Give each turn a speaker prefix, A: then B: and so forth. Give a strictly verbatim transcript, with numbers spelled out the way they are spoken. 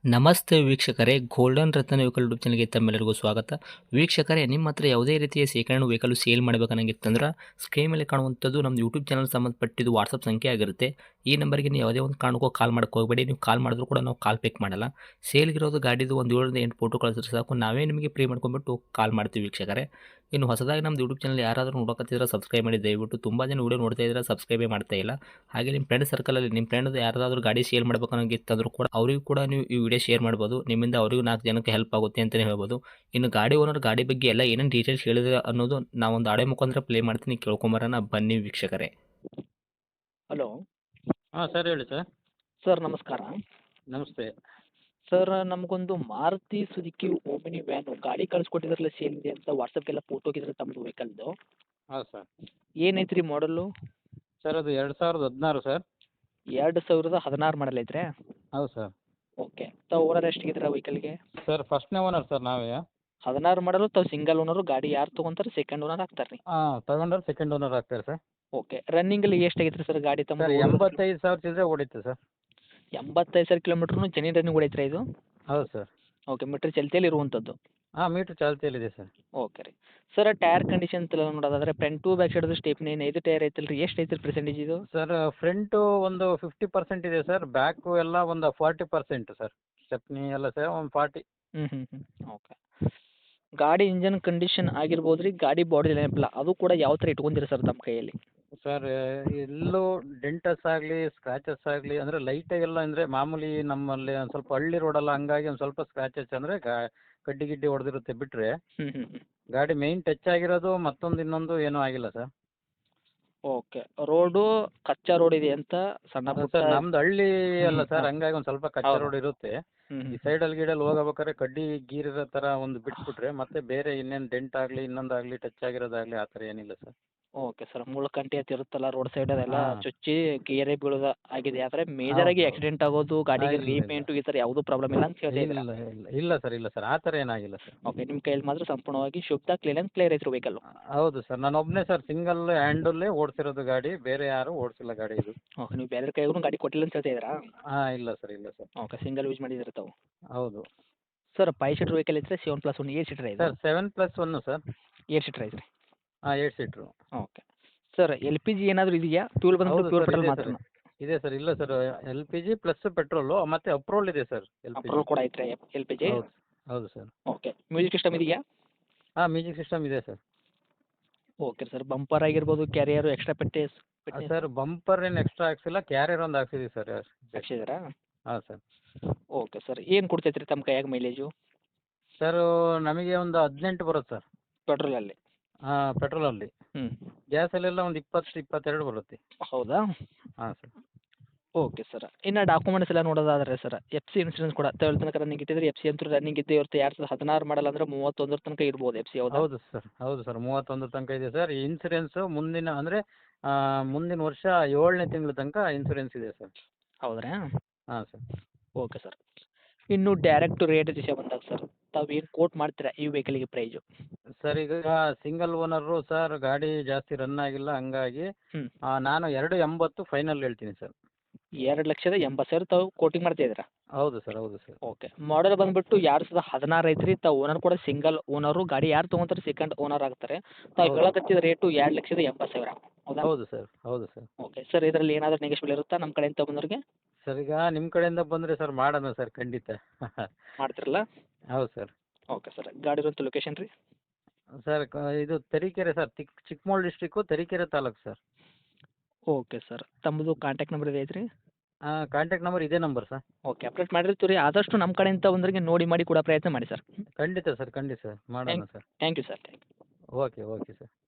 A: ನಮಸ್ತೆ ವೀಕ್ಷಕರೇ, ಗೋಲ್ಡನ್ ರತ್ನ vehicle YouTube ಚಾನಲ್ಗೆ ತಮ್ಮೆಲ್ಲರಿಗೂ ಸ್ವಾಗತ. ವೀಕ್ಷಕರೇ, ನಿಮ್ಮ ಹತ್ರ ಯಾವುದೇ ರೀತಿಯ ಶೇಖರಣೆ ವೆಹಿಕಲ್ ಸೇಲ್ ಮಾಡಬೇಕನ್ನಂಗಿತ್ತಂದ್ರೆ ಸ್ಕ್ರೀನ್ ಮೇಲೆ ಕಾಣುವಂಥದ್ದು ನಮ್ಮ ಯೂಟ್ಯೂಬ್ ಚಾನಲ್ ಸಂಬಂಧಪಟ್ಟಿದ್ದು ವಾಟ್ಸಪ್ ಸಂಖ್ಯೆ ಆಗಿರುತ್ತೆ. ಈ ನಂಬರ್ಗೆ ನೀವು ಯಾವುದೇ ಒಂದು ಕಾರಣಕ್ಕೂ ಕಾಲ್ ಮಾಡಕ್ಕೆ ಹೋಗಬೇಡಿ. ನೀವು ಕಾಲ್ ಮಾಡಿದ್ರು ಕೂಡ ನಾವು ಕಾಲ್ ಪಿಕ್ ಮಾಡಲ್ಲ. ಸೇಲ್ಗಿರೋದು ಗಾಡಿದು ಒಂದು ಏಳರಿಂದ ಎಂಟು ಫೋಟೋ ಕಳಿಸಿದ್ರೆ ಸಾಕು, ನಾವೇ ನಿಮಗೆ ಪ್ರೀ ಮಾಡ್ಕೊಂಡ್ಬಿಟ್ಟು ಕಾಲ್ ಮಾಡ್ತೀವಿ ವೀಕ್ಷಕರೇ. ಇನ್ನು ಹೊಸದಾಗಿ ನಮ್ಮದು ಯೂಟ್ಯೂಬ್ ಚಾನಲ್ ಯಾರಾದರೂ ನೋಡೋಕತ್ತಿದ್ರೆ ಸಬ್ಸ್ಕ್ರೈಬ್ ಮಾಡಿ ದಯವಿಟ್ಟು. ತುಂಬ ಜನ ವೀಡಿಯೋ ನೋಡ್ತಾ ಇದ್ದಾರೆ, ಸಬ್ಸ್ಕ್ರೈಬೇ ಮಾಡ್ತಾ ಇಲ್ಲ. ಹಾಗೆ ನಿಮ್ಮ ಫ್ರೆಂಡ್ ಸರ್ಕಲಲ್ಲಿ ನಿಮ್ಮ ಫ್ರೆಂಡ್ ಯಾರಾದರೂ ಗಾಡಿ ಸೇಲ್ ಮಾಡಬೇಕನ್ನೋಂಗಿತ್ತಂದ್ರೂ ಕೂಡ ಅವರಿಗೂ ಕೂಡ ನೀವು ಈ ವಿಡಿಯೋ ಶೇರ್ ಮಾಡ್ಬೋದು. ನಿಮ್ಮಿಂದ ಅವರಿಗೂ ನಾಲ್ಕು ಜನಕ್ಕೆ ಹೆಲ್ಪ್ ಆಗುತ್ತೆ ಅಂತಲೇ ಹೇಳ್ಬೋದು. ಇನ್ನು ಗಾಡಿ ಓನರ್ ಗಾಡಿ ಬಗ್ಗೆ ಎಲ್ಲ ಏನೇನು ಡೀಟೇಲ್ಸ್ ಹೇಳಿದ್ರೆ ಅನ್ನೋದು ನಾವೊಂದು ಆಡಿಯೋ ಮುಖಾಂತರ ಪ್ಲೇ ಮಾಡ್ತೀನಿ, ಕೇಳ್ಕೊಂಬರೋಣ ಬನ್ನಿ ವೀಕ್ಷಕರೇ.
B: ಹಲೋ
C: ಹಾಂ ಸರ್, ಹೇಳಿ ಸರ್.
B: ಸರ್ ನಮಸ್ಕಾರ.
C: ನಮಸ್ತೆ.
B: ಸರ್ ನಮಗೊಂದು ಮಾರುತಿ ಸುಜುಕಿ ಓಮಿನಿ ವ್ಯಾನು ಗಾಡಿ ಕಳಿಸ್ಕೊಟ್ಟಿದ್ರಲ್ಲ ಸೇಲ್ ಅಂತ ವಾಟ್ಸಪ್ಗೆಲ್ಲ ಫೋಟೋ ಹೋಗಿದ್ರೆ ತಮ್ಮದು ವೆಹಿಕಲ್ದು
C: ಹೌದು ಸರ್.
B: ಏನೈತ್ರಿ ಮಾಡಲು?
C: ಸರ್ ಅದು ಎರಡು ಸಾವಿರದ ಹದಿನಾರು ಸರ್.
B: ಎರಡು ಸಾವಿರದ ಹದಿನಾರು ಮಾಡಲ್ ಐತ್ರಿ?
C: ಹೌದು ಸರ್.
B: ಓಕೆ. ತಾವು ಓನರ್ ಎಷ್ಟಿಗಿದ್ರೆ ವೆಹಿಕಲ್ಗೆ?
C: ಸರ್ ಫಸ್ಟ್ನೇ ಓನರ್ ಸರ್ ನಾವೇ.
B: ಹದಿನಾರು ಮಾಡಲು ತಾವು ಸಿಂಗಲ್ ಓನರು, ಗಾಡಿ ಯಾರು ತೊಗೊಂತಾರೆ ಸೆಕೆಂಡ್ ಓನರ್ ಆಗ್ತಾರೆ ರೀ?
C: ಹಾಂ, ತಗೊಂಡ್ರೆ ಸೆಕೆಂಡ್ ಓನರ್ ಆಗ್ತಾರೆ ಸರ್.
B: ಓಕೆ. ರನ್ನಿಂಗಲ್ಲಿ ಎಷ್ಟಾಗೈತೆ ಸರ್ ಗಾಡಿ ತಮ್ಮ?
C: ಸರ್ ಎಂಬತ್ತೈದು ಸಾವಿರ ಚಿಲ್ಲರೆ ಓಡಿತ್ತು ಸರ್.
B: ಎಂಬತ್ತೈದು ಸಾವಿರ ಕಿಲೋಮೀಟ್ರ್ನು ಜೆನ್ಯೂನ್ ರನ್ನಿಂಗ್ ಹೊಡೈತ್ರಿ ಇದು?
C: ಹೌದು ಸರ್.
B: ಓಕೆ. ಮೀಟ್ರ್ ಚಲ್ತಿಯಲ್ಲಿ ಇರುವಂಥದ್ದು?
C: ಹಾಂ, ಮೀಟ್ರ್ ಚಾಲ್ತಿಯಲ್ಲಿದೆ ಸರ್.
B: ಓಕೆ ರೀ. ಸರ್ ಟೈರ್ ಕಂಡೀಷನ್ ಎಲ್ಲ ನೋಡೋದಾದ್ರೆ front to back side stepney ಐದು ಟೈರ್ ಐತಲ್ಲ ರೀ, ಎಷ್ಟು ಐತ್ರಿ ಪರ್ಸೆಂಟೇಜ್ ಇದು?
C: ಸರ್ ಫ್ರಂಟು ಒಂದು ಫಿಫ್ಟಿ ಪರ್ಸೆಂಟ್ ಇದೆ ಸರ್, ಬ್ಯಾಕು ಎಲ್ಲ ಒಂದು ಫಾರ್ಟಿ ಪರ್ಸೆಂಟ್ ಸರ್. ಸ್ಟೆಪ್ನಿ ಎಲ್ಲ ಸರ್ ಒಂದು ಫಾರ್ಟಿ.
B: ಹ್ಞೂ ಹ್ಞೂ ಹ್ಞೂ ಓಕೆ. ಗಾಡಿ ಇಂಜನ್ ಕಂಡೀಷನ್ ಆಗಿರ್ಬೋದು ರೀ, ಗಾಡಿ ಬಾಡಿ ನೆನಪಿಲ್ಲ, ಅದು ಕೂಡ ಯಾವ ಥರ ಇಟ್ಕೊಂಡಿರಿ ಸರ್ ತಮ್ಮ ಕೈಯಲ್ಲಿ?
C: ಸರ್ ಎಲ್ಲೂ ಡೆಂಟಸ್ ಆಗಲಿ ಸ್ಕ್ರಾಚಸ್ ಆಗಲಿ ಅಂದರೆ ಲೈಟಾಗೆಲ್ಲ ಅಂದರೆ ಮಾಮೂಲಿ ನಮ್ಮಲ್ಲಿ ಒಂದು ಸ್ವಲ್ಪ ಹಳ್ಳಿ ರೋಡಲ್ಲ, ಹಂಗಾಗಿ ಒಂದು ಸ್ವಲ್ಪ ಸ್ಕ್ರಾಚಸ್ ಅಂದರೆ ಗಾ ಕಡ್ಡಿ ಗಿಡ್ಡಿ ಹೊಡೆದಿರುತ್ತೆ ಬಿಟ್ಟರೆ
B: ಹ್ಞೂ ಹ್ಞೂ ಹ್ಞೂ
C: ಗಾಡಿ ಮೇಯ್ನ್ ಟಚ್ ಆಗಿರೋದು ಮತ್ತೊಂದು ಇನ್ನೊಂದು ಏನೂ ಆಗಿಲ್ಲ ಸರ್.
B: ಓಕೆ. ರೋಡು ಕಚ್ಚಾ ರೋಡ್ ಇದೆ ಅಂತ ಸಣ್ಣ
C: ಅದು
B: ಪುಟ್ಟ?
C: ಸರ್ ನಮ್ದು ಹಳ್ಳಿ ಅಲ್ಲ
B: ಹ್ಮ್,
C: ಸರ್,
B: ಹಾ.
C: ಹಂಗಾಗಿ ಒಂದು ಸ್ವಲ್ಪ ಕಚ್ಚಾ
B: ಹೌದು.
C: ರೋಡ್ ಇರುತ್ತೆ.
B: ಹ್ಞೂ
C: ಈ
B: ಹ್ಞೂ
C: ಸೈಡಲ್ಲಿ ಗೀಡಲ್ಲಿ ಹೋಗಬೇಕಾದ್ರೆ ಕಡ್ಡಿ ಗೀರಿರೋ ಥರ ಒಂದು ಬಿಟ್ಬಿಟ್ರೆ ಮತ್ತೆ ಬೇರೆ ಇನ್ನೇನು ಡೆಂಟ್ ಆಗಲಿ ಇನ್ನೊಂದಾಗಲಿ ಟಚ್ ಆಗಿರೋದಾಗಲಿ ಆ ಥರ ಏನಿಲ್ಲ ಸರ್.
B: Okay sir. ಮುಳ್ಕಂಟಿ ಅಂತ ಇರುತ್ತಲ್ಲ ರೋಡ್ ಸೈಡ್ ಅದೆಲ್ಲ
C: ಹಾಂ.
B: ಚುಚ್ಚಿ ಗೇರೆ ಬೀಳೋದು ಆಗಿದೆ, ಆದರೆ ಮೇಜರ್ ಆಗಿ
C: ಹೌದು.
B: ಆಕ್ಸಿಡೆಂಟ್ ಆಗೋದು, ಗಾಡಿಗೆ
C: ಇಲ್ಲ, ಇಲ್ಲ.
B: ರೀಪೇಂಟು ಈ ಥರ ಯಾವುದೂ ಪ್ರಾಬ್ಲಮ್ ಇಲ್ಲ ಅಂತ ಹೇಳ್ತಾ
C: ಇಲ್ಲ
B: ಇದ್ದೀರಾ?
C: ಇಲ್ಲ ಇಲ್ಲ ಸರ್, ಇಲ್ಲ ಸರ್, ಆ ಥರ ಏನಾಗಿಲ್ಲ ಸರ್.
B: ಓಕೆ. ನಿಮ್ಮ ಕೈಯಲ್ಲಿ ಮಾತ್ರ ಸಂಪೂರ್ಣವಾಗಿ ಶುದ್ಧ ಕ್ಲೀನ್ ಆ್ಯಂಡ್ ಕ್ಲಿಯರ್ ಐತ್ರಿ ವೆಹಿಕಲ್ಲು?
C: ಹೌದು ಸರ್, ನಾನು ಒಬ್ಬನೇ ಸರ್ ಸಿಂಗಲ್ ಹ್ಯಾಂಡಲ್ಲೇ ಓಡಿಸಿರೋದು ಗಾಡಿ, ಬೇರೆ ಯಾರೂ ಓಡಿಸಿಲ್ಲ ಗಾಡಿ ಇದು.
B: ಓಕೆ. ನೀವು ಬೇರೆ ಕೈಗೂ ಗಾಡಿ ಕೊಟ್ಟಿಲ್ಲ ಅಂತ ಹೇಳ್ತಾ ಇದ್ದೀರಾ?
C: ಹಾಂ, ಇಲ್ಲ ಸರ್, ಇಲ್ಲ ಸರ್.
B: ಓಕೆ. ಸಿಂಗಲ್ ಯೂಸ್ ಮಾಡಿದ್ದೀರಾ ತಾವು?
C: ಹೌದು
B: ಸರ್ ಫೈವ್ ಸೀಟರ್ ವೆಹಿಕಲ್ ಐತ್ರಿ, seven plus one eight seater ಐತೆ?
C: Sir, seven plus one sir.
B: Eight seater ಐತ್ರಿ?
C: ಹಾಂ, eight seater.
B: Okay. Sir L P G ಏನಾದರೂ ಇದೆಯಾ? ಫ್ಯೂಲ್ ಬಂದ್ಬಿಟ್ಟು
C: ಹೌದು
B: ಪ್ಯೂರ್
C: ಸರ್,
B: ಪೆಟ್ರೋಲ್
C: ಇದೆ
B: ಮಾತ್ರ?
C: ಸರ್. ಇದೆ ಸರ್, ಇಲ್ಲ sir, L P G plus petrol ಮತ್ತು ಅಪ್ರೋಲ್ ಇದೆ sir. L P G
B: petrol ಕೂಡ ಐತ್ರಿ ಎಲ್ ಪಿ ಜಿ?
C: ಹೌದು ಹೌದು ಸರ್.
B: ಓಕೆ. ಮ್ಯೂಸಿಕ್ ಸಿಸ್ಟಮ್ ಇದೆಯಾ?
C: ಹಾಂ, ಮ್ಯೂಸಿಕ್ ಸಿಸ್ಟಮ್ ಇದೆ ಸರ್.
B: Okay sir. ಬಂಪರ್ ಆಗಿರ್ಬೋದು, ಕ್ಯಾರಿಯರು, ಎಕ್ಸ್ಟ್ರಾ ಪೆಟ್ಟೇಸ್ ಪೆಟ್ಟೆ
C: ಸರ್ ಬಂಪರ್ ಏನು ಎಕ್ಸ್ಟ್ರಾ ಹಾಕ್ಸಿಲ್ಲ, ಕ್ಯಾರಿಯರ್ ಒಂದು ಹಾಕ್ಸಿದ್ದೀವಿ ಸರ್.
B: ಹಾಕ್ಸಿದ್ದೀರಾ?
C: ಹಾಂ ಸರ್.
B: Okay sir. ಏನು ಕೊಡ್ತೈತೆ ರೀ ತಮ್ಮ ಕೈಯಾಗ ಮೈಲೇಜು
C: ಸರ್ ನಮಗೆ ಒಂದು ಹದಿನೆಂಟು ಬರುತ್ತೆ ಸರ್.
B: ಪೆಟ್ರೋಲಲ್ಲಿ?
C: ಹಾಂ, ಪೆಟ್ರೋಲಲ್ಲಿ.
B: ಹ್ಞೂ.
C: ಗ್ಯಾಸಲ್ಲೆಲ್ಲ ಒಂದು ಇಪ್ಪತ್ತು ಇಪ್ಪತ್ತೆರಡು ಬರುತ್ತೆ.
B: ಹೌದಾ?
C: ಹಾಂ ಸರ್.
B: Okay sir. ಇನ್ನು ಡಾಕ್ಯುಮೆಂಟ್ಸ್ ಎಲ್ಲ ನೋಡೋದಾದ್ರೆ ಸರ್, ಎಫ್ ಸಿ ಇನ್ಸೂರೆನ್ಸ್ ಕೂಡ ತಗೊಳ್ಳಿ ತನಕ ರನ್ನಿಂಗ್ ಇಟ್ಟಿದ್ರೆ ಎಫ್ ಸಿ ಅಂತೂ ರನ್ನಿಂಗ್ ಇದ್ದೇ ಇರುತ್ತೆ. ಎರಡು ಸಾವಿರದ ಹದಿನಾರು ಮಾಡಲ್ ಅಂದರೆ ಮೂವತ್ತೊಂದರ ತನಕ ಇರ್ಬೋದು ಎಫ್ ಸಿ, ಹೌದಾ?
C: ಹೌದು ಸರ್, ಹೌದು ಸರ್, ಮೂವತ್ತೊಂದು ತನಕ ಇದೆ ಸರ್. ಇನ್ಸೂರೆನ್ಸು ಮುಂದಿನ ಅಂದರೆ ಮುಂದಿನ ವರ್ಷ ಏಳನೇ ತಿಂಗಳ ತನಕ ಇನ್ಸೂರೆನ್ಸ್ ಇದೆ ಸರ್.
B: ಹೌದ್ರಾ?
C: ಹಾಂ ಸರ್.
B: Okay sir. ಇನ್ನು ಡೈರೆಕ್ಟ್ ರೇಟ್ ವಿಷಯ ಬಂದಾಗ ಸರ್, ತಾವು ಏನು ಕೋಟ್ ಮಾಡ್ತೀರಾ ಈ ವೆಹಿಕಲಿಗೆ ಪ್ರೈಸು?
C: ಸರ್ ಈಗ ಸಿಂಗಲ್ ಓನರು ಸರ್, ಗಾಡಿ ಜಾಸ್ತಿ ರನ್ ಆಗಿಲ್ಲ, ಹಂಗಾಗಿ
B: ಹ್ಞೂ.
C: ಆ, ನಾನು ಎರಡು ಎಂಬತ್ತು ಫೈನಲ್ ಹೇಳ್ತೀನಿ ಸರ್.
B: ಎರಡು ಲಕ್ಷದ ಎಂಬತ್ತು ಸಾವಿರ ತಾವು ಕೋಟಿಂಗ್ ಮಾಡ್ತಾ ಇದ್ದೀರಾ?
C: ಹೌದು ಸರ್, ಹೌದು ಸರ್.
B: ಓಕೆ. ಮಾಡಲ್ ಬಂದುಬಿಟ್ಟು ಎರಡು ಸಾವಿರದ ಹದಿನಾರು ಐತ್ರಿ. ತಾವು ಓನರ್ ಕೂಡ ಸಿಂಗಲ್ ಓನರು, ಗಾಡಿ ಯಾರು ತೊಗೊಂತಾರೆ ಸೆಕೆಂಡ್ ಓನರ್ ಆಗ್ತಾರೆ. ತಾವು
C: ಹೌದು.
B: ಹೇಳಕತ್ತಿದ ರೇಟು ಎರಡು ಲಕ್ಷದ ಎಂಬತ್ತು ಸಾವಿರ, ಹೌದಾ?
C: ಹೌದು ಸರ್, ಹೌದು ಸರ್.
B: Okay sir. ಇದರಲ್ಲಿ ಏನಾದರೂ ನೆಗೆಶ್ಬಲ್ ಇರುತ್ತಾ ನಮ್ಮ ಕಡೆಯಿಂದ ಬಂದವ್ರಿಗೆ?
C: ಸರ್ ಈಗ ನಿಮ್ಮ ಕಡೆಯಿಂದ ಬಂದರೆ ಸರ್ ಮಾಡೋಣ ಸರ್, ಖಂಡಿತ.
B: ಮಾಡ್ತಿರಲ್ಲ?
C: ಹೌದು ಸರ್.
B: Okay sir. ಗಾಡಿ ಇರುವಂಥ ಲೊಕೇಶನ್ ರೀ?
C: ಸರ್ ಕ- ಇದು ತರೀಕೆರೆ ಸರ್, ಚಿಕ್ Chikkamagaluru district, Tarikere taluk sir.
B: Okay sir. ತಮ್ಮದು ಕಾಂಟ್ಯಾಕ್ಟ್ ನಂಬರ್ ಇದೆ ಐತ್ರಿ?
C: ಕಾಂಟ್ಯಾಕ್ಟ್ ನಂಬರ್ ಇದೇ ನಂಬರ್ ಸರ್.
B: ಓಕೆ. ಅಪ್ಡೇಟ್ ಮಾಡಿರ್ತೀವಿ ರೀ. ಆದಷ್ಟು ನಮ್ಮ ಕಡೆಯಿಂದ ಬಂದವರಿಗೆ ನೋಡಿ ಮಾಡಿ ಕೊಡೋ ಪ್ರಯತ್ನ ಮಾಡಿ ಸರ್.
C: ಖಂಡಿತ ಸರ್, ಖಂಡಿತ ಸರ್, ಮಾಡೋಣ sir.
B: Thank you sir. Thank you.
C: Okay okay sir.